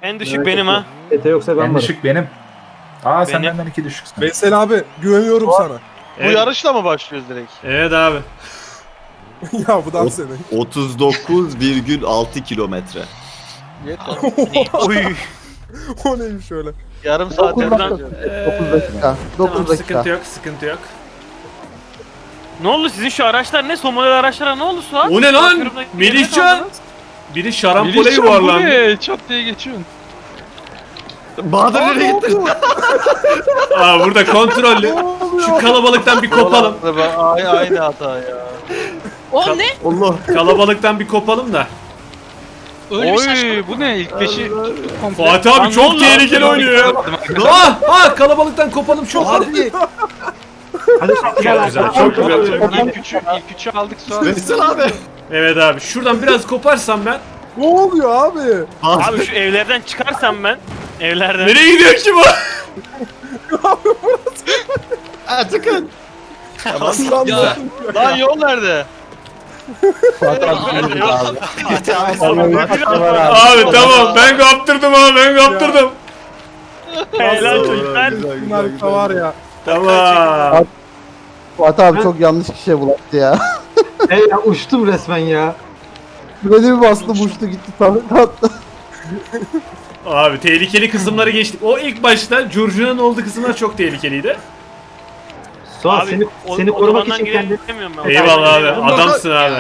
En düşük benim ha. Ete yoksa ben En varım. düşük benim. Aa sen Benim. benden 2 düşüksün. Veysel abi güveniyorum sana. Bu yarışla mı başlıyoruz direkt? Evet abi. Ya bu da senin. 39,6 kilometre. Yeter. Oy. O neymiş öyle? Yarım saat 9 yapacağız. dakika. 9 dakika. 9 Tamam, dakika. sıkıntı yok, sıkıntı yok. Ne oldu sizin şu araçlar ne? Son model araçlara ne oldu Suat? O ne lan? Bakıyorum da- Melihcan! Biri şarampole yuvarlandı. Çat diye geçiyorsun. Bahadır nereye gitti? Aa burada kontrollü. Şu kalabalıktan bir kopalım. Aynı hata ya. O ne? Allah. Kalabalıktan bir kopalım da. Öyle bir saçma. bu ne? İlk peşi Fatih abi çok tehlikeli oynuyor ya. Kalabalıktan kopalım çok hadi. Hadi Çok güzel, çok güzel. İlk üçü aldık sonra. Veysel abi. Evet abi şuradan biraz koparsam ben. Ne oluyor abi? Abi şu evlerden çıkarsam ben. Evlerden. Nereye gidiyor ki bu? Ha çıkın. Aslan Ya. ya. Lan yol nerede? Abi tamam ben kaptırdım abi ben kaptırdım. Helal çocuklar. Bunlar da var ya. Tamam. Fatih abi çok yanlış kişiye bulaştı ya. ya uçtum resmen ya. Böyle bir bastım uçtu gitti attı. Abi tehlikeli kısımları geçtik. O ilk başta Curcuna'nın olduğu kısımlar çok tehlikeliydi. Suat Abi, seni korumak otobandan için kendi... giremiyorum ben. Eyvallah abi adamsın abi.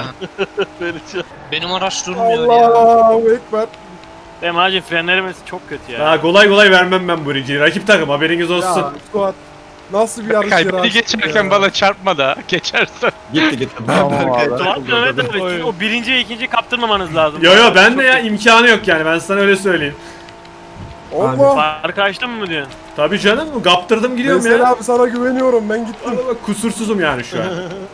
Benim araç durmuyor ya. Allahu Ekber. Benim acil frenlerimiz çok kötü ya. Ha, kolay kolay vermem ben bu birinciyi. Rakip takım haberiniz olsun. Ya Suat. Nasıl bir yarış yeri Kalbini geçerken bana çarpma da geçersen. Gitti. Tamam abi. Suat Mehmet abi o birinci ikinciyi kaptırmamanız lazım. Yo ben de ya imkanı yok yani ben sana öyle söyleyeyim. Allah. Farkı açtın mı diyorsun? Tabii canım kaptırdım gidiyorum Veysel ya. abi sana güveniyorum ben gittim. Bak, bak, kusursuzum yani şu an.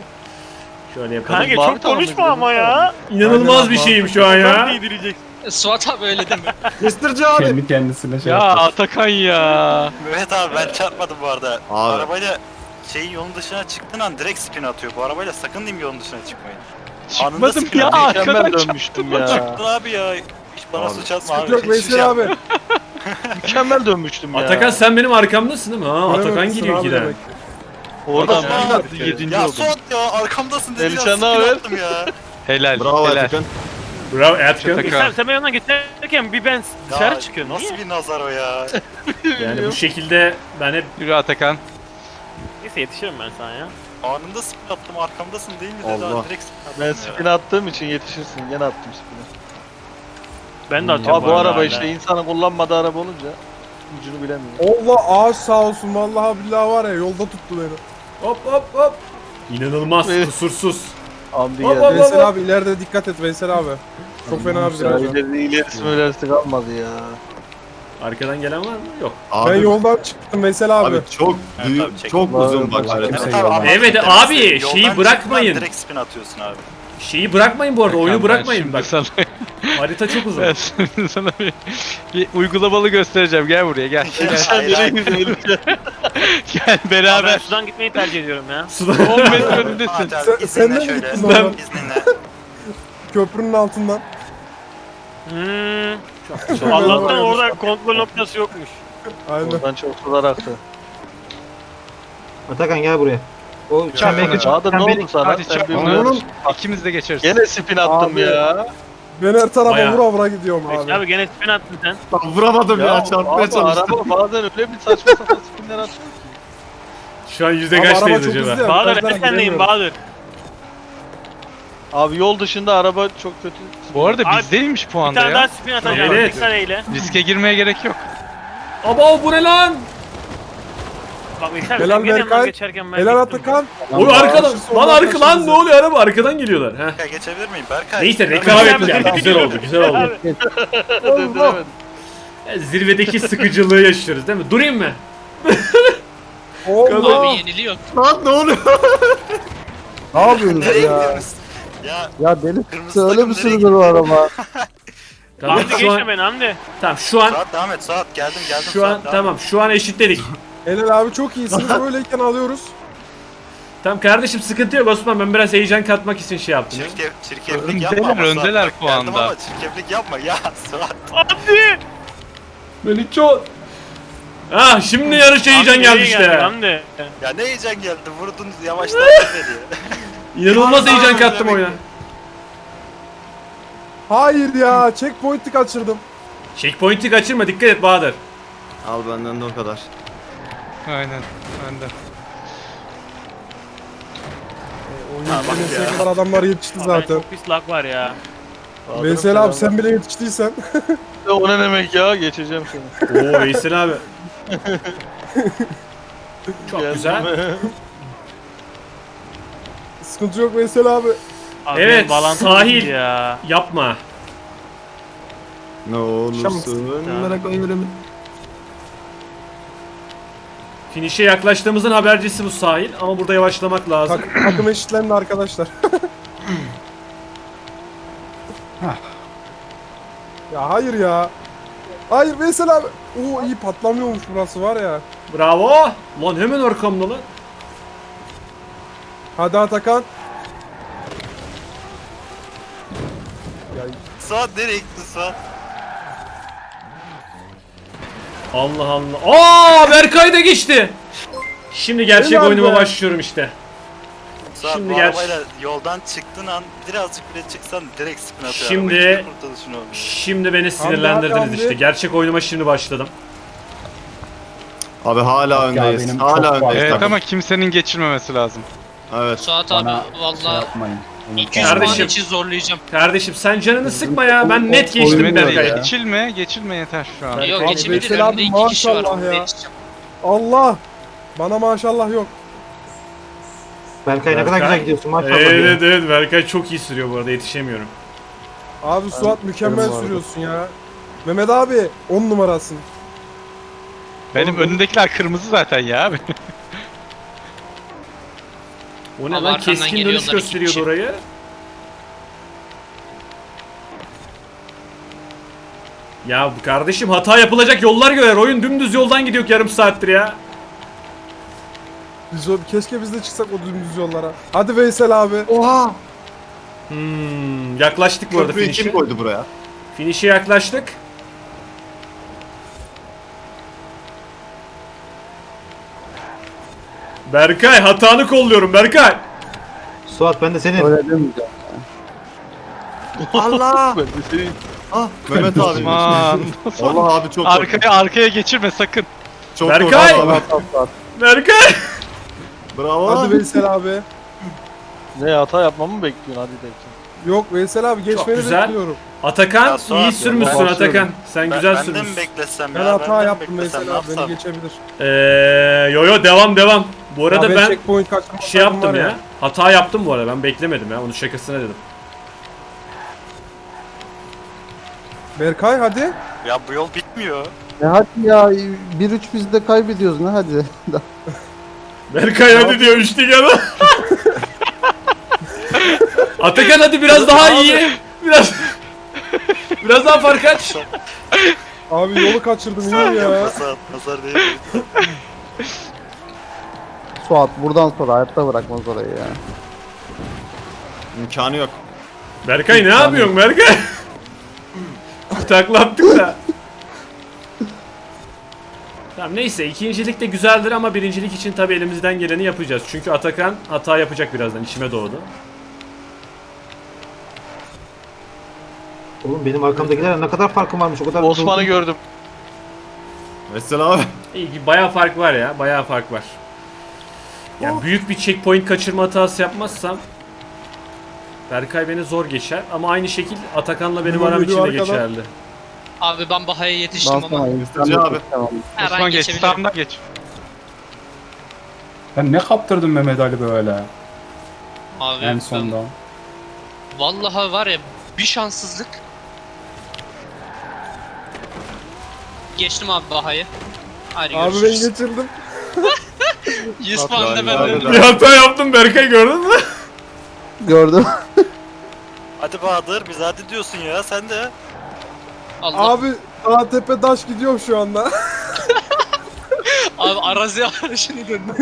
Şöyle yapalım. Kanka Bağır çok tamam, konuşma ama ya. İnanılmaz bir şeyim şu an Sen ya. giydireceksin. Suat abi öyle deme. Mr. abi. Kendi kendisine şey Ya yaptı. Atakan ya. Mehmet abi ben çarpmadım bu arada. Abi. Arabayla şeyin yolun dışına çıktığın an direkt spin atıyor. Bu arabayla sakın diyeyim yolun dışına çıkmayın. Çıkmadım spin ya atıyor. arkadan dönmüştüm ya. Çıktın abi ya. Hiç bana Abi, suç atma abi. Yok Hiçbir şey Veysel abi. yapma. Mükemmel dönmüştüm ya. Atakan sen benim arkamdasın değil mi? Ha Atakan Göremezsin gidiyor abi giden. demek. Oradan Adam bir ya. attı 7. Ya oldum. Suat ya arkamdasın dedi Elçan ya ne spin haber? attım ya. Helal. Bravo helal. Atakan. Bravo Atakan. Sen ben yanına geçerken bir ben dışarı Ya, çıkıyorum. Nasıl Niye? bir nazar o ya. Yani bu şekilde ben hep Yürü Atakan. Neyse yetişirim ben sana ya. Anında spin attım arkamdasın değil mi dedi. Allah. Abi, direkt spin attım Ben ya. spin attığım için yetişirsin. Gene attım spin'i. Ben de atıyorum. Abi bu arada araba hala. işte insanın kullanmadığı araba olunca ucunu bilemiyor. Allah ağaç sağ olsun vallahi billahi var ya yolda tuttu beni. hop hop hop. İnanılmaz kusursuz. Hamdi Hop, geldi. hop. Veysel abi ileride dikkat et Veysel abi. Çok fena bir viraj var. İlerisi kalmadı ya. Arkadan gelen var mı? Yok. Ben Abi, yoldan çıktım Veysel abi. abi çok büyük, abi, çek. çok uzun bak. Vallahi harita. Evet abi, anladım Evet demek abi, istediğim. şeyi Yoldan bırakmayın. çıktığın an Direkt spin atıyorsun abi. Şeyi bırakmayın bu arada oyunu bırakmayın bak. Sana, Harita çok uzun. ben sana bir uygulamalı göstereceğim. Gel buraya gel. Hayır, hayır. Gel Abi ben beraber. sudan gitmeyi tercih ediyorum ya. 10 metre önündesin. Fatih abi, Sen- sen de izninle mi şöyle. gittin oradan? İzninle. Köprünün altından. Allah'tan orada kontrol noktası yokmuş. Aynen. Oradan çok sular aktı. Atakan gel buraya. O Daha da ne oldu sana? Hadi Sen çak. bir Oğlum. uyarış. İkimiz de geçeriz. Gene spin attım Abi. ya. Ben her tarafa Bayağı. vura vura gidiyorum abi. Abi gene spin attın sen. Vuramadım ya, çarpmaya abi, çalıştım. araba bazen öyle bir saçma sapan spinler atıyor. Şu an yüzde Abi araba kaçtayız çok hızlı acaba? ya. Bahadır virajlara ben sendeyim giremiyorum. Bahadır. Abi yol dışında araba çok kötü. Bu arada Abi, bizdeymiş Bir puanda tane daha ya. spin atacağım. Evet. Dikkat eyle. Riske girmeye gerek yok. Aba bu ne lan? Bak Veysel Helal sen gene yanından Berkay. geçerken ben Helal gittim. Atakan. O arkadan. Şu Lan soldan arka lan taşınız ne ya. oluyor araba arkadan geliyorlar. Heh. Berkay geçebilir miyim? Berkay. Neyse rekabet yani güzel oldu güzel oldu. Döndüremedim. Zirvedeki sıkıcılığı yaşıyoruz değil mi? Durayım mı? Allah. Abi yeniliyor. Lan ne oluyor? Ne yapıyorsunuz Nereye ya? gidiyoruz? Ya Ya deli Kırmızı öyle takım mi nereye sürülür o araba? Tamam Hamdi şu geçme an beni Hamdi. tamam şu an Suat devam et Suat geldim şu an Suat, devam tamam şu an eşitledik. Helal abi çok iyisiniz. Böyleyken alıyoruz. Tamam kardeşim sıkıntı yok Osman ben biraz heyecan katmak için şey yaptım. ya. Çirkeflik yapma ama Öndeler Suat, bak, geldim puanda. ama çirkeflik yapma ya Suat. Hamdi! Melihcan. Ah şimdi yarış heyecan Hamdi, geldi iyi işte. Hamdi. Ya ne heyecan geldi vurdun yavaşladın beni. İnanılmaz heyecan kattım oyuna. Hayır ya, checkpoint'i kaçırdım. Checkpoint'i kaçırma, dikkat et Bahadır. Al benden de o kadar. Aynen. Ben de. Ha, bak Neyse ya. kadar adamlar yetişti Zaten. zaten. Çok pis lag var ya. Veysel abi sen bile yetiştiysen. O ne demek ya? Geçeceğim seni. Oo Veysel abi. Çok güzel. Sıkıntı yok Veysel abi. Abi Evet, benim bağlantım sahil. gitti ya. Yapma. Ne olursun merak oynuyorum. Finish'e yaklaştığımızın habercisi bu sahil ama burada yavaşlamak lazım. Takım eşitlendi arkadaşlar. Ya hayır ya. Hayır Veysel abi. Oo iyi patlamıyormuş burası var ya. Bravo. Lan hemen arkamda lan. Hadi Atakan. Ya Suat nereye gittin Suat? Allah Allah. Aa Berkay da geçti. Şimdi gerçek Helal oyunuma be. başlıyorum işte. Suat Şimdi bu gel- arabayla yoldan çıktığın an birazcık bile çıksan direkt spin atıyor. Şimdi- araba. Hiçbir kurtuluşun olmuyor. Şimdi beni sinirlendirdiniz Hamdi. işte. Gerçek oyunuma şimdi başladım. Abi hala öndeyiz. benim Hala çok öndeyiz. Evet takım. ama kimsenin geçirmemesi lazım. Evet. Suat Bana abi şey valla yapmayın. 200 Kardeşim. puan için zorlayacağım. Kardeşim sen canını sıkma ya. Ben net geçtim oyunu da Berkay'ı. ya. Geçilme yeter şu an. Abi Yok geçebilir. Veysel abi Önümde 2 kişi var. maşallah Onda ya. yetişeceğim. Allah. Bana maşallah yok. Berkay ne kadar Berkay. güzel gidiyorsun maşallah. Evet ya. evet Berkay çok iyi sürüyor bu arada, yetişemiyorum. Abi Suat mükemmel benim bu arada. sürüyorsun ya. Mehmet abi 10 numarasın. Benim önümdekiler kırmızı zaten ya. O ne Ama lan, arkamdan keskin dönüş geliyorlar iki gösteriyordu kişi. orayı. Ya kardeşim hata yapılacak yollar görer. Oyun dümdüz yoldan gidiyor yarım saattir ya. Keşke biz de çıksak o dümdüz yollara. Hadi Veysel abi. Oha. Yaklaştık bu arada Köprüyü kim finish'e. koydu buraya? Finish'e yaklaştık. Berkay hatanı kolluyorum Berkay. Suat ben de senin. Öyle demeyeceğim. Allah! Ah Mehmet abi. Aman. Allah abi çok Arkaya geçirme sakın. çok Berkay! korktum. Tamam tamam. Berkay. Bravo. Hadi Veysel abi. Ne hata yapmamı mı bekliyorsun? Hadi bekle. Yok Veysel abi geçmeni güzel. bekliyorum. Atakan Ya Suat, iyi sürmüşsün ben- Atakan. Sen güzel Ben de sürmüşsün. mi beklesem Ben ya? hata de mi yaptım beklesem, Veysel ne abi beni yapsam? geçebilir. Yo devam. Bu arada Ya ben checkpoint kaçırma şey sakın yaptım var ya. Hata yaptım bu arada. Ben beklemedim ya. Onun şakasına dedim. Berkay hadi. Ya bu yol bitmiyor. Ne hadi ya 1-3 biz de kaybediyoruz ne hadi. Berkay hadi diyor üçlü yana. Atakan hadi biraz daha iyi. Biraz daha fark aç. Abi yolu kaçırdım inan ya. Nazar değil. Suat buradan sonra hayatta bırakmaz orayı ya. İmkanı yok. Berkay ne yapıyorsun Berkay? Taklattık da. Tamam neyse, ikincilik de güzeldir ama birincilik için tabii elimizden geleni yapacağız. Çünkü Atakan hata yapacak birazdan, içime doğdu. Oğlum benim arkamdakiler ne kadar farkım varmış o kadar. Osman'ı gördüm. Veysel abi. İyi, bayağı fark var ya, bayağı fark var. Yani büyük bir checkpoint kaçırma hatası yapmazsam Berkay beni zor geçer ama aynı şekil Atakan'la benim Bunlar aram geliyor için de arkadan. geçerli. Abi ben Baha'ya yetiştim Dans ama sana Hızlıca abi. her Osman an geç. geçebilirim. Sağımdan geç. Ben ne kaptırdım Mehmet Ali böyle Abi en ben- sonda. Vallahi var ya bir şanssızlık. Geçtim abi Baha'yı. Hadi Abi ben görüşürüz. geçirdim. 100 puan da ben Abi, öldüm. Bir hata yaptım Berkay, gördün mü? Gördüm. Hadi Bahadır biz hadi diyorsun ya sen de. Allah. Abi dağ tepe taş gidiyor şu anda. Abi arazi arayışını döndüm.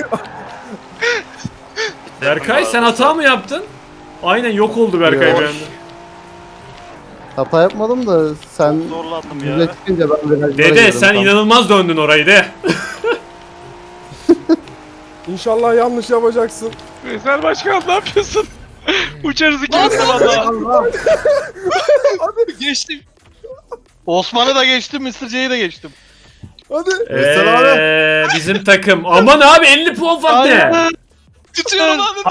Berkay sen hata mı yaptın? Aynen yok oldu Berkay Yok. bir anda. Hata yapmadım da sen Zorlandım yüze ya. çıkınca ben virajlara Dede girdim sen tam. inanılmaz döndün orayı de. İnşallah yanlış yapacaksın. Veysel Başkan ne yapıyorsun? Uçarız ikimiz de valla. Geçtim. Osman'ı da geçtim, Mr. J'yi de geçtim. Hadi. Veysel Bizim takım. Aman abi 50 puan fark ne? Tutuyorum abi.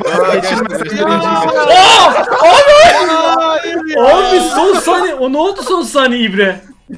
Abi son saniye. O ne oldu son saniye İbre?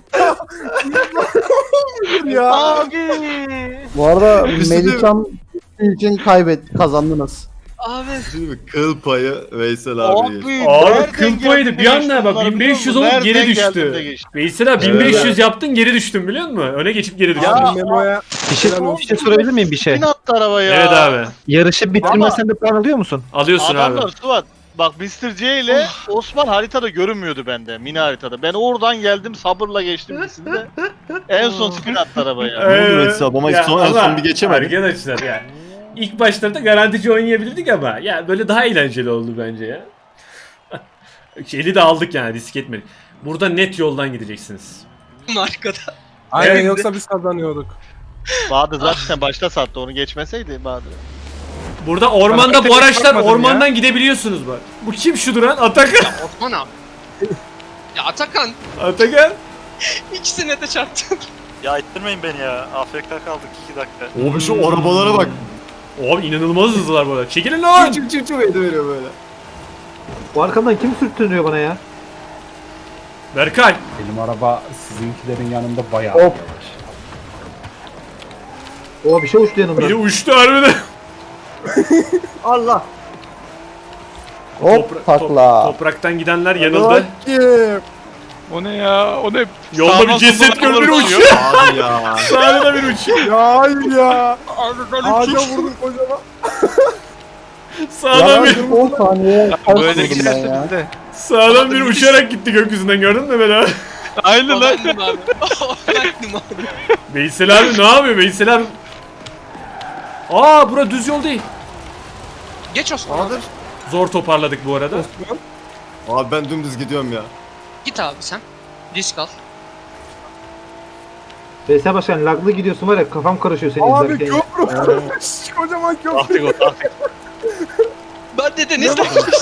Ya. Bu arada Bir şey Melihcan için kazandınız. Abi. Şimdi kıl payı Veysel abi. Abi kıl payıydı. Bir anda bak 1500 olup geri düştü. Veysel abi 1500 yaptın geri düştün biliyor musun? Öne geçip geri düştün. Abi Memo'ya Bir şey sorabilir miyim bir şey? attı arabaya. Evet abi. Yarışı bitirmesen de puan alıyor musun? Alıyorsun abi. Suat. Bak Mr. C ile Osman haritada görünmüyordu bende. Mini haritada. Ben oradan geldim sabırla geçtim ikisinde. En son spin attı arabaya. Ne oldu Veysel abi ama Ya en son bir geçemedik. Arkadaşlar ya. İlk başlarda garantici oynayabilirdik ama ya böyle daha eğlenceli oldu bence ya. Şeyli de aldık yani risk etmedik. Burada net yoldan gideceksiniz. Arkada. aynen Evet. yoksa biz kazanıyorduk. Bahadır zaten başta sattı onu geçmeseydi Bahadır. Burada ormanda bu tek araçlar bakmadım ormandan gidebiliyorsunuz bak. Bu kim şu duran? Atakan. Osman abi. Ya Atakan. Atakan. İkisine de çarptın. Ya ittirmeyin beni ya. AFK kaldık 2 dakika. Abi şu arabalara bak. Abi inanılmaz hızlılar bu arada. Çekilin lan. Çık ediyor böyle. Bu arkamdan kim sürtünüyor bana ya? Berkay. Benim araba sizinkilerin yanında bayağı Hop. yavaş. O bir şey uçtu yanımdan. Biri uçtu harbiden. Allah. Hop takla. Topraktan gidenler yanıldı. Bakayım. O ne ya? O ne? Yolda bir Sağdan ceset soldan gör biri uçuyor. uçuyor. Abi ya. Sağda da bir uçuyor. Ya hayır ya. Ağaca vurdum kocaman. Sağdan bir 10 saniye Böyle kaç vurdum ben giderse ya. biz de. sağdan bir uçarak gitti gökyüzünden gördün mü beni abi? Aynen lan. Olandım abi. Olandım abi. Veysel abi ne yapıyor Veysel abi? Aa bura düz yol değil. Geç Osman abi. Zor toparladık bu arada. Abi ben dümdüz gidiyorum ya. Git abi sen. Risk al. Veysel Başkan laglı gidiyorsun var ya kafam karışıyor senin Abi izlerken. köprü. Kocaman köprü. Ben de deniz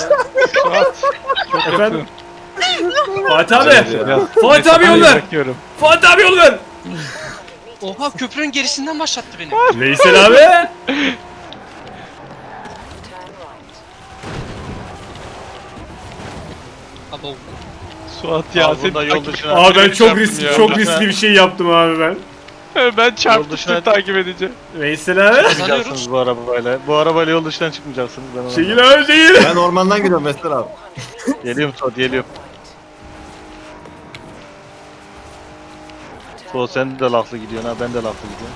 Efendim? Fatih abi. Fatih abi yol ver. Bakıyorum. Fatih abi yol ver. Oha köprünün gerisinden başlattı beni. Veysel abi. Abo. Suat ya Abi sen bunda yol dışına. Abi ben çok Çarptım ya. çok riskli bir şey yaptım abi ben. Ben çarptım dışına- seni takip edeceğim. Veysel abi. Çıkmayacaksınız bu arabayla. Bu arabayla yol dışından çıkmayacaksınız. Ben ona. Çekil abi çekil. Ben ormandan gidiyorum Veysel abi. Geliyorum Suat geliyorum. Suat sen de laflı gidiyorsun ha ben de laflı gidiyorum.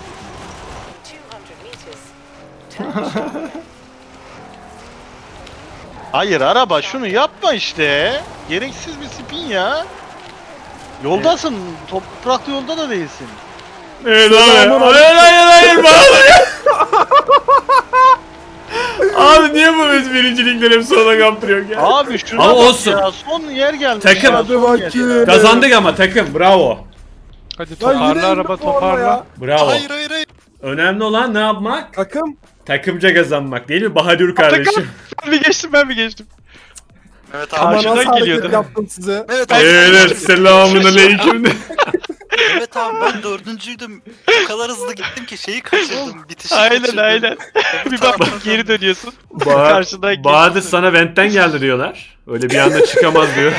Hayır araba şunu yapma işte. Gereksiz bir spin ya. Yoldasın. Topraklı yolda da değilsin. Evet abi. Hayır bağlı. Abi niye bu biz birincilikleri hep sona kaptırıyor ya? Abi şuna Ama bak olsun. ya. Son yer gelmiş. Takım. ya, Hadi son yer bakayım. ya. Kazandık ama takım bravo. Hadi Lan yine toparla indim araba bu arada toparla. ya. Bravo. Hayır hayır hayır. Önemli olan ne yapmak? Takım. Takımca kazanmak değil mi Bahadır kardeşim? Ben mi geçtim ben mi geçtim? Evet abi. Ama Karşıdan nasıl hareket geliyordu. yaptım size? Evet abi. Evet selamun aleyküm. Evet abi ben dördüncüydüm. O kadar hızlı gittim ki şeyi kaçırdım. Bitişi Aynen kaçırdım. aynen. Bir bak geri dönüyorsun. Bahadır Karşıdan Bahadır sana ventten geldi diyorlar. Öyle bir anda çıkamaz diyor.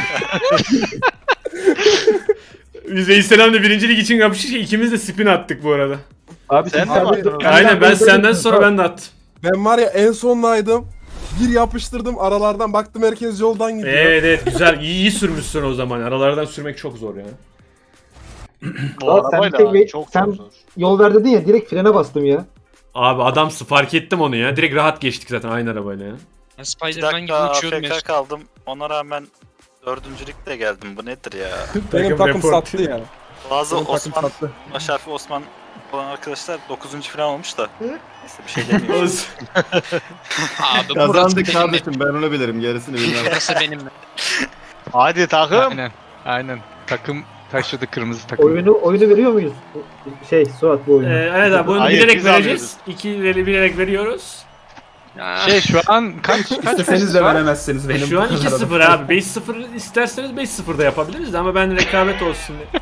Biz Veysel'le birincilik için kapıştık. İkimiz de spin attık bu arada. Abi Sen sen de mi attın? Aynen ben senden sonra ben de attım. Ben var ya en sondaydım. Bir yapıştırdım aralardan baktım herkes yoldan gidiyor. Evet güzel iyi sürmüşsün o zaman. Aralardan sürmek çok zor ya. Bu Lan sen arabayla tek- çok sen- zor. Yol ver dedin ya direkt frene bastım ya. Abi adam fark ettim onu ya. Direkt rahat geçtik zaten aynı arabayla ya. Ben 2 Spider-Man gibi dakika uçuyordum ya. AFK kaldım. Ona rağmen dördüncülükle geldim. Bu nedir ya? Benim takım report. sattı ya. Bazı Benim takım Osman, sattı. baş harfi Osman olan arkadaşlar 9. falan olmuş da. Neyse bir şey demiyorum. Olsun. Abi Kazandık burası benim. kardeşim ben onu bilirim gerisini bilmem. Burası benim. Hadi takım. Aynen. Aynen. Takım taşıdı, kırmızı takım. Oyunu veriyor muyuz? Suat bu oyunu. Evet abi bunu Hayır, bilerek biz vereceğiz. 2'leri bilerek veriyoruz. Şu an kaç İsteseniz de veremezsiniz benim. Şu an 2-0 abi. 5-0 isterseniz 5-0 da yapabiliriz ama ben rekabet olsun diye.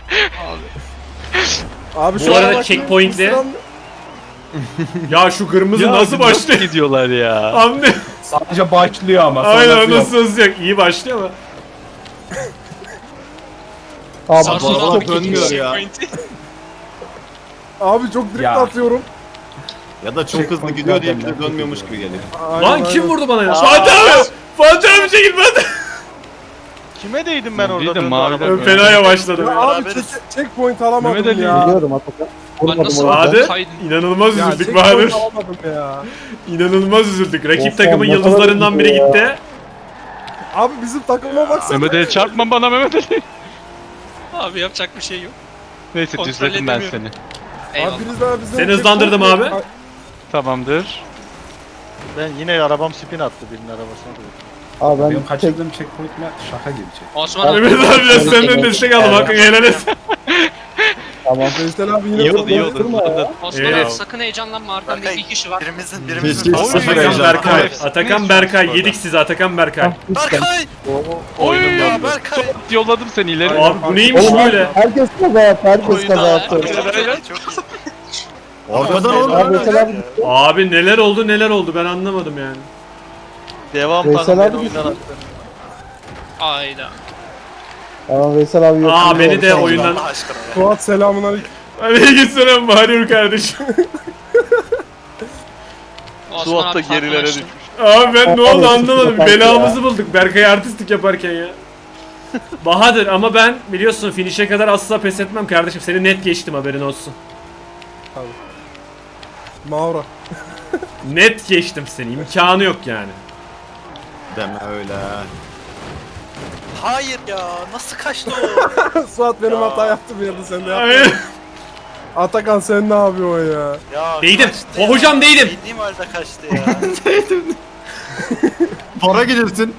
Abi Bu şu arada an bak- checkpoint'le- Sıram- Ya şu kırmızı nasıl başlıyor? gidiyorlar ya? Anne. Sadece başlıyor ama. Aynen sonrası yok. nasıl yok. İyi başlıyor ama. Abi Sarı Baba sarı dönmüyor ya. Abi çok drift Ya. atıyorum. Ya da çok hızlı Checkpoint gidiyor diye zaten bize dönmüyormuş gibi geliyor. Aynen, Lan kim aynen. vurdu bana ya? Fatih abi! Fatih abi çekil ben. Kime değdim ben orada? Değdim, döndü mavi araba? de- Ben fenaya başladım. Ya ya. abi Beraberiz. checkpoint alamadım Mehmet Ali. ya. biliyorum Atakan. Ben Vurmadım nasıl orada. Bahadır kaydın? inanılmaz Ya üzüldük checkpoint Bahadır. alamadım ya. İnanılmaz üzüldük. Rakip Of, takımın ne kadar yıldızlarından biri üzücü ya. gitti. Abi bizim takıma baksana. Mehmet Ali çarpma bana Mehmet Ali. Abi yapacak bir şey yok. Neyse Kontrol düzledim ben edemiyorum. seni. Eyvallah. Abi biz bizim Seni hızlandırdım checkpoint- abi. Tamamdır. Ben yine arabam spin attı birinin arabasına. doğru. Abi ben Benim kaçırdığım checkpoint'ler şaka gibi check. Osman abi. Mehmet abi biraz senden destek aldım. Hakkını helal et. Tamam. Veysel abi yine İyi oldu, iyi oldu. Durma ya. Osman Evet. abi sakın heyecanlanma, arkanda Berkay, iki kişi var. Birimizin Hiç sıfır Atakan heyecan. Berkay. Hepsi- Atakan neyse, Berkay. orada. Yedik sizi Atakan Berkay. Berkay! Oy Ya Berkay! yolladım seni ileri. Abi bu neymiş Oğlum böyle? herkes kaza yaptı. Herkes Oyunda kaza yaptı. Çok iyi. Arkadan oldu. Abi Veysel abi Abi neler oldu ben anlamadım yani. Devam Veysel takım beni abi oyundan attı. Ayda. Ama Veysel abi yok. Aa beni de Olsun. oyundan... Allah aşkına ya. Suat selamun aleyküm. Aleykümselam Bahri kardeşim. Osman Suat da abi gerilere farklılaştı. düşmüş. Abi ben ne oldu anlamadım. Ya. Belamızı bulduk Berkay artistik yaparken ya. Bahadır ama ben biliyorsun finish'e kadar asla pes etmem kardeşim. Seni net geçtim haberin olsun. Maura. Net geçtim seni. İmkanı yok yani. Deme öyle. Hayır ya, nasıl kaçtı o? Suat benim Ya. hata yaptı bir yerde sen de Aynen. yaptın. Atakan sen ne yapıyorsun ya? Ya Değdim. kaçtı O ya. hocam değdim. Bildiğim halde kaçtı ya. Para gidersin.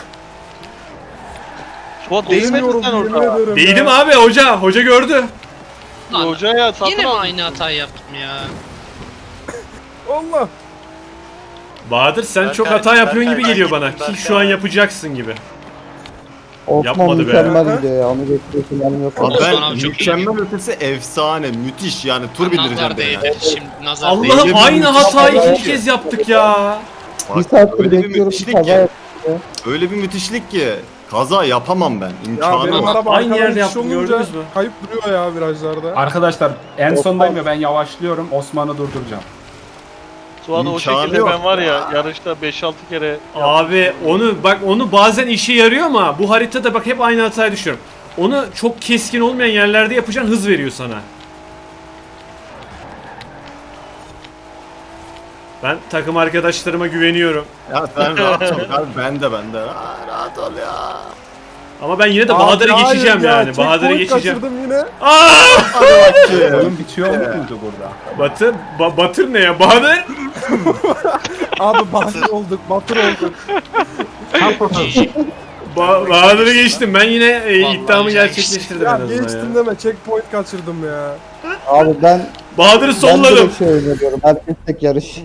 Suat değmedin Bilmiyorum, sen yemin orada. ederim Değdim ya. abi hoca gördü. Lan, Hocaya satın yine mi aldın. aynı hatayı yaptım ya? Allah. Bahadır sen Berkay, çok hata yapıyorsun gibi Berkay, geliyor ben bana. gittim, Ki şu an Berkay. yapacaksın gibi. Osman Yapmadı be. mükemmel gidiyor ya. Onu geçtiği falan yok. Abi Osman ben abi çok mükemmel ötesi efsane. Müthiş yani tur bindireceğim Nazar de ya. değdi. Şimdi nazar Allah'ım Değdim, aynı müthiş hatayı hata ikinci kez yaptık ya. Bir Bak, saattir öyle bir bekliyorum. müthişlik Kaza ki. yaptı. Öyle bir müthişlik ki. Kaza yapamam ben. Ya İmkanı benim yok. araba Aynı arkadan yerde itiş yaptım, olunca gördünüz mü? Kayıp duruyor ya virajlarda. Arkadaşlar en sondayım ya ben yavaşlıyorum. Osman'ı durduracağım. Suat o İmkanı şekilde yok. ben var ya yarışta 5-6 kere Abi onu bazen işe yarıyor ama bu haritada bak hep aynı hataya düşüyorum. Onu çok keskin olmayan yerlerde yapacağın hız veriyor sana. Ben takım arkadaşlarıma güveniyorum. Ya sen rahat ol abi. Ben de. Rahat ol ya. Ama ben yine de Abi Bahadır'ı hayır geçeceğim ya, yani. Bahadır'ı checkpoint geçeceğim. kaçırdım yine. Aa! Hadi bakayım. Oyun bitiyor muydu burada? Batır ne ya? Bahadır? Abi batır olduk, batır olduk. Bahadır'ı geçtim. Ben yine Vallahi iddiamı güzel gerçekleştirdim en Ya azından geçtim ya. deme, checkpoint kaçırdım ya. Abi ben Bahadır'ı ben de solladım. bir şey öneriyorum. Herkes tek yarış.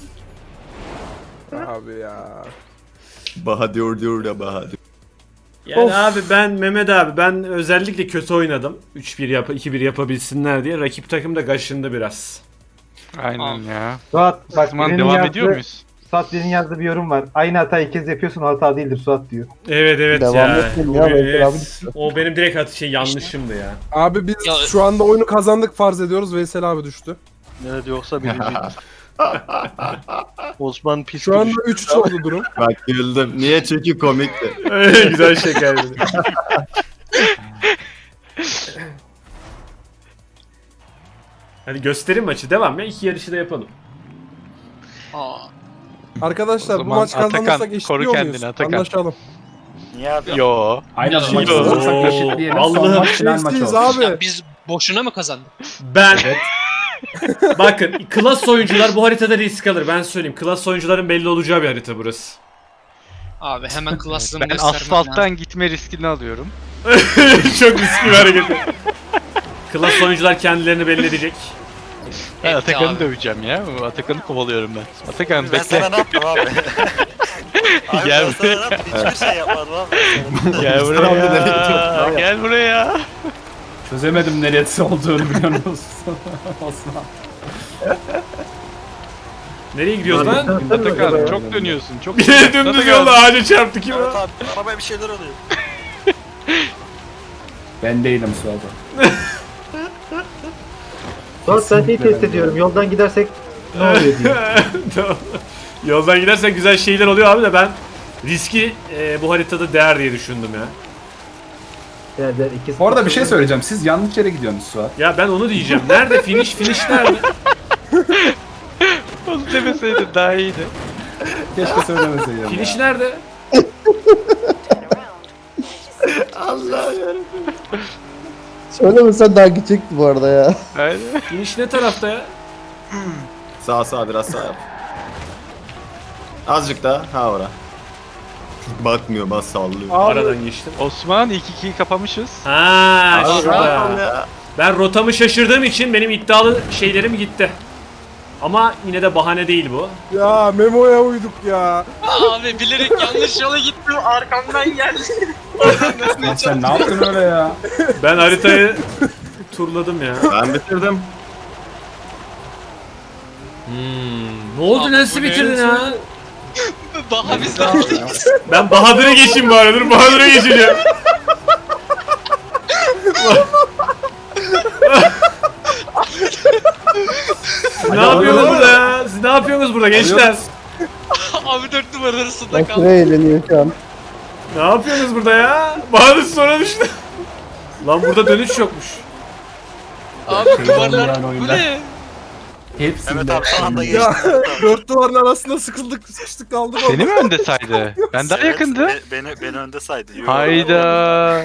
Abi ya. Bahadır diyor da Bahadır. Yani abi ben özellikle kötü oynadım. 2-1 yapabilsinler diye. Rakip takım da kaşındı biraz. Aynen ya. Suat O bak zaman birinin devam yazdığı- ediyor muyuz? Suat birinin yazdığı bir yorum var. Aynı hatayı iki kez yapıyorsun, hata değildir Suat diyor. Evet Devam ya. etmeyin O, ya, Veysel evet. abi. O benim direkt yanlışımdı ya. Abi biz Ya- şu anda oyunu kazandık farz ediyoruz. Veysel abi düştü. evet yoksa birinci. Osman pis Şu anda düştü. 3-3 oldu durum. Bak güldüm. Niye? Çünkü komikti. Güzel şekerdi. Hadi gösterim maçı devam ya. 2 yarışı da yapalım. Aa. Arkadaşlar O bu zaman maç kazanırsak Atakan, eşitliyor koru muyuz? kendini Atakan. Anlaşalım. Niye abi? Yo. Aynen Ya, maçı yo. kazanırsak eşitleyelim. Son Allah'ım, maç final maçı Eşitliyiz olsun. abi. Ya biz boşuna mı kazandık? Ben bakın klas oyuncular bu haritada risk alır. Ben söyleyeyim. Klas oyuncuların belli olacağı bir harita burası. Abi hemen klaslarını Ben göstermem lazım. asfalttan gitme riskini alıyorum. Çok riskli bir hareket. Klas oyuncular kendilerini belli edecek. Ben Etti Atakan'ı abi. döveceğim ya. Atakan'ı kovalıyorum ben. Atakan Ben bekle. sana ne yaptım abi? Abi Gel ben sana ne yaptım? Hiçbir şey yapmadım abi. Gel buraya. Gel buraya. Çözemedim neresi olduğunu biliyor musun? Osman. Nereye gidiyoruz lan? Atakan çok dönüyorsun. Çok Dümdüz yolda ağaca çarptı kim Evet o? abi arabaya bir şeyler oluyor. Ben değilim Suat'a. Suat sen iyi test ediyorum. Yoldan gidersek ne oluyor diye. Tamam. Yoldan gidersen güzel şeyler oluyor abi de ben riski bu haritada değer diye düşündüm ya. Derler, ikisi Bu arada bir şey söyleyeceğim. Siz yanlış yere gidiyorsunuz Suat. Ya ben onu diyeceğim. Nerede finish? Finish nerede? Onu demeseydin daha iyiydi. Keşke söylemeseydin. Finish nerede? Söylemesen daha gidecekti bu arada ya. Aynen. Finish ne tarafta ya? Sağ biraz sağ yap. Azıcık daha. Ha ora. Bakmıyor bas sallıyor. Aradan geçtim. Osman ilk 2'yi kapamışız. Ha Abi, şurada. ya. Ben rotamı şaşırdığım için benim iddialı şeylerim gitti. Ama yine de bahane değil bu. Ya Memo'ya uyduk ya. Abi bilerek yanlış yola gittim. Arkamdan geldi. Lan sen ne yaptın öyle ya? Ben haritayı turladım ya. Ben bitirdim. Ne oldu Abi, nasıl bu ne? bitirdin ha? Daha bizden. Ben Bahadır'a geçeyim bari dur Bahadır'a geçeceğim. Siz ne yapıyorsunuz burada ya? Siz ne yapıyorsunuz burada gençler? Abi 4 numara arasında Bak kaldı. buraya eğleniyor şu an. Ne yapıyorsunuz burada ya? Bahadır sonra düştü. Lan burada dönüş yokmuş. Abi duvarlar Yani bu oyunda. ne? Hepsinde. Evet abi son anda geçtim. Ya dört duvarın arasında sıkıştık kaldık orada. Seni mi önde saydı? Ben daha Evet, yakındı. Beni önde saydı. Yo. Hayda.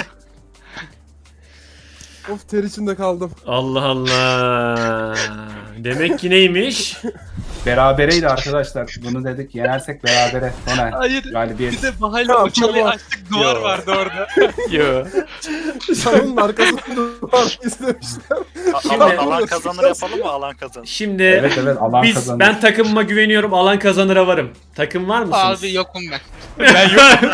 Of ter içinde kaldım. Allah Allah. Demek ki neymiş? Berabereydi arkadaşlar. Bunu dedik yenersek berabere. Sonra Hayır. galibiyet. Bir de bahayla o çalıyı açtık duvar Yo. vardı orada. Yo. Salonun arkasında duvar istemişler. Alan kazanır yapalım mı? Alan kazanır. Şimdi Evet alan biz kazanır. ben takımıma güveniyorum. Alan kazanıra varım. Takım var mısınız? Abi yokum ben. Ben yok.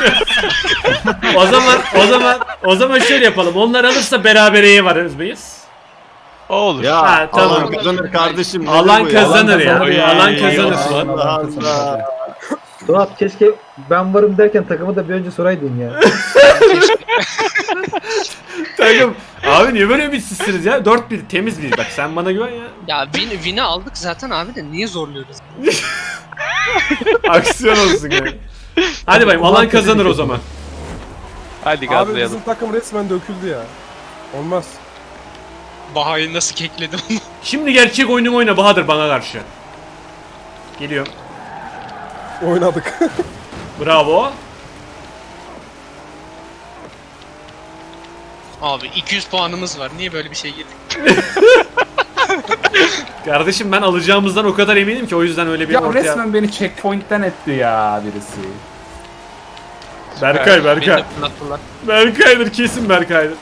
o zaman şöyle yapalım. Onlar alırsa berabereye varız mıyız? O olur. Ya Ha, tamam. alan kazanır kardeşim. nedir Alan bu ya? kazanır ya. Oy, Alan kazanır. Allah Allah. Suat keşke ben varım derken takımı da bir önce soraydın ya. Takım. Abi niye böyle ümitsizsiniz ya? 4-1 temiz bir. Bak sen bana güven ya. Ya win'i aldık zaten abi de niye zorluyoruz? Aksiyon olsun yani. Hadi bayım alan kazanır o zaman. Hadi Abi gazlayalım. bizim takım resmen döküldü ya. Olmaz. Bahayı nasıl kekledim onu. Şimdi gerçek oyunu oyna Bahadır bana karşı. Geliyorum. Oynadık. Bravo. Abi 200 puanımız var. Niye böyle bir şey girdik? Kardeşim ben alacağımızdan o kadar eminim ki o yüzden öyle bir Ya ortaya... resmen beni checkpoint'ten etti ya birisi. Berkay. Beni de fırlattılar. Berkay'dır kesin Berkay'dır.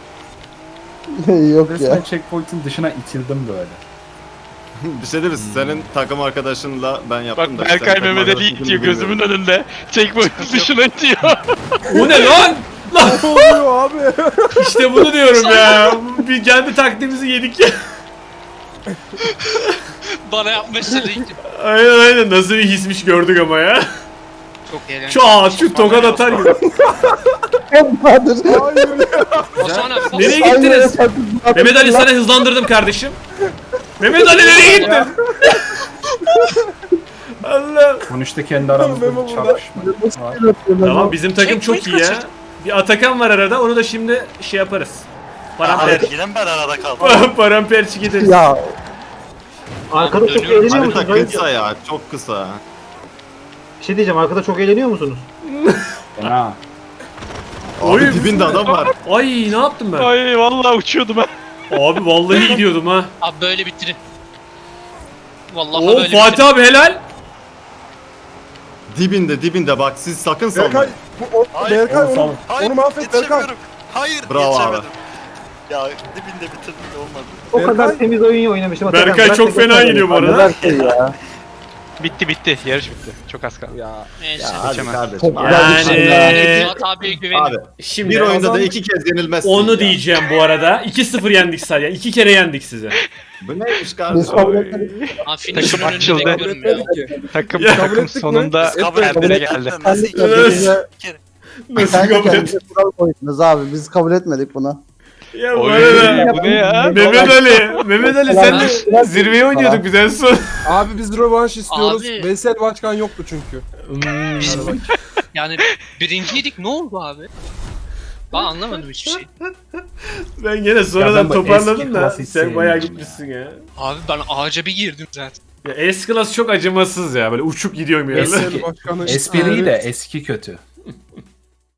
Yok Resmen ya. checkpoint'in dışına itildim böyle. Bir şey değil mi? Senin takım arkadaşınla ben yaptım Bak da. Berkay sen takım Mehmet Ali arkadaşını itiyor bilmiyorum. gözümün önünde. Checkpoint dışına itiyor. O ne lan? Ne oluyor abi? İşte bunu diyorum ya. Bir kendi taktiğimizi yedik ya. Bana yapmışlar ilk. Aynen nasıl bir hismiş gördük ama ya. Çok eğlenceli. Şu tokat atar gibi. Bahadır. Hayır ya. Osman abi bak. Nereye gittiniz? Mehmet Ali sana hızlandırdım kardeşim. Mehmet Ali nereye gittin? Allah. Sonuçta kendi aramızda Memo bir burada. çarpışma var. Tamam bizim takım çok iyi ya. Bir Atakan var arada onu da şimdi şey yaparız. Paramper. Yine mi ben arada kaldım? Paramperçi gideriz. Ya Arkada çok Dönüyorum. eğleniyor musunuz? Harita kısa ya. Çok kısa. Bir şey diyeceğim, arkada çok eğleniyor musunuz? Fena. Oy. Abi dibinde adam var. Ay ne yaptım ben? Ay vallahi uçuyordum ha. Abi vallahi gidiyordum ha. Abi böyle bitirin. Vallahi Oo böyle Fatih abi helal. Dibinde bak siz sakın salmayın. Berkay, Berkay Oğlum, onu mahvet Berkay. Yetişemiyorum. Hayır Bravo abi. geçemedim. Ya dibinde bitirdim de olmadı. O kadar temiz oyun oynamışım. Atakan. Berkay Bırak çok da fena geçemedim. yeniyor bu arada. Berkay ya. Bitti. Yarış bitti. Çok az kaldı. Ya. Neyse. Ya hadi Geçemez. kardeşim. Çok abi. Yani Fuat abiye güvenim. Abi şimdi bir oyunda da Kazandık. 2 kez yenilmezsin onu ya. diyeceğim bu arada. 2-0 yendik sadece. 2 kere yendik sizi. Bu neymiş Biz kardeşim? kabul etmedik. Ha finish'in Takım önünde açıldı. bekliyorum ya. Takım Ya, kabul takım ettik mi? sonunda Kabul kendine ettik. geldi. Nasıl Kendi iki kendinize, Nasıl kendi kabul et? kendinize kural koydunuz abi. Biz kabul etmedik bunu. Ya bu Oy, arada bu ne ya? Mehmet Ali sen de zirveye oynuyorduk biz en son. Abi biz rövanş istiyoruz. Abi. Veysel Başkan yoktu çünkü. Yani birinciydik ne oldu abi? Ben anlamadım hiçbir şey. Ben gene sonradan Ya ben bu toparladım eski da klas hiç sen bayağı sevmiyorum gitmişsin ya. Abi ben ağaca bir girdim zaten. Ya S-Class çok acımasız ya böyle uçup gidiyor bir yerler. Veysel Başkan'ı Espri de eski kötü.